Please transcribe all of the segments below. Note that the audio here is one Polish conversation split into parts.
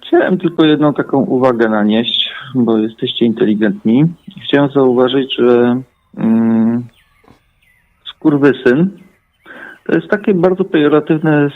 Chciałem tylko jedną taką uwagę nanieść, bo jesteście inteligentni. Chciałem zauważyć, że skurwysyn to jest takie bardzo pejoratywne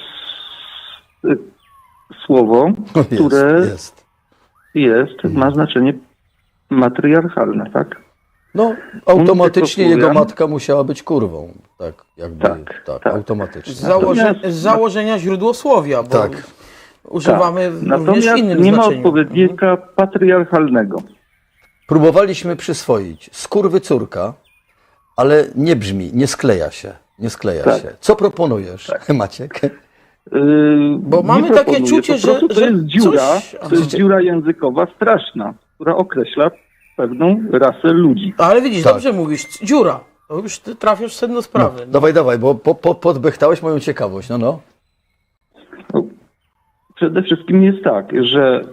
słowo, które ma znaczenie matriarchalne, tak? No, automatycznie jego matka musiała być kurwą. Tak, jakby, tak. Automatycznie. Z założenia źródłosłowia, bo tak. używamy również Natomiast innym nie ma znaczeniu. odpowiednika patriarchalnego. Próbowaliśmy przyswoić skurwy córka, ale nie brzmi, nie skleja się. Nie skleja Tak. się. Co proponujesz, Maciek? Bo mamy Nie takie proponuję, czucie, po prostu że to jest dziura, coś... to jest dziura językowa straszna, która określa pewną rasę ludzi. Ale widzisz, Tak. dobrze mówisz, dziura. To już ty trafiasz w sedno sprawy. No, dawaj, bo podbechtałeś moją ciekawość, no. No, przede wszystkim jest tak, że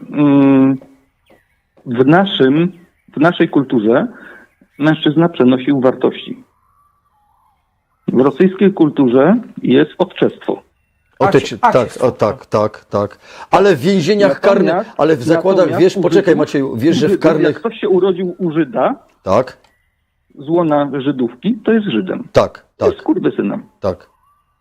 w naszej kulturze mężczyzna przenosił wartości. W rosyjskiej kulturze jest odczestwo. Tak. Ale w więzieniach karnych, ale w zakładach, wiesz, poczekaj Macieju, wiesz, że w karnych... Jak ktoś się urodził u Żyda, Tak, z łona Żydówki, to jest Żydem. tak. Jest skurwysynem. Tak.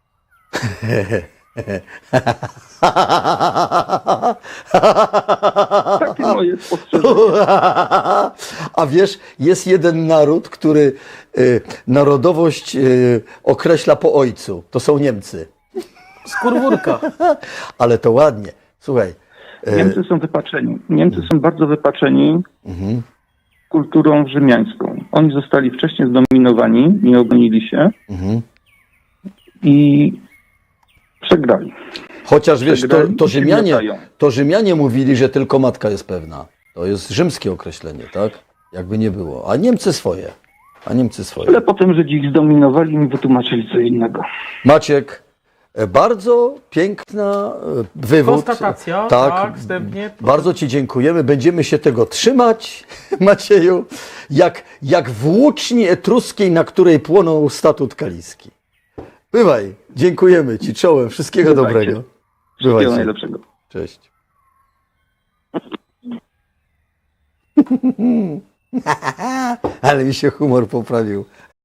Takie moje spostrzeżenie. A wiesz, jest jeden naród, który narodowość określa po ojcu. To są Niemcy. Skurwórka. Ale to ładnie. Słuchaj. Niemcy są wypaczeni. Niemcy są bardzo wypaczeni kulturą rzymiańską. Oni zostali wcześniej zdominowani, nie obronili się i przegrali. Chociaż wiesz, Przegrali, to Rzymianie mówili, że tylko matka jest pewna. To jest rzymskie określenie, tak? Jakby nie było. A Niemcy swoje. Ale potem Żydzi ich zdominowali i mi wytłumaczyli co innego. Maciek, bardzo piękna wywód. Konstatacja, tak, wstępnie. Bardzo Ci dziękujemy. Będziemy się tego trzymać, Macieju, jak włóczni etruskiej, na której płonął statut kaliski. Bywaj, dziękujemy Ci czołem. Wszystkiego dobrego. Wszystkiego najlepszego. Cześć. Ale mi się humor poprawił.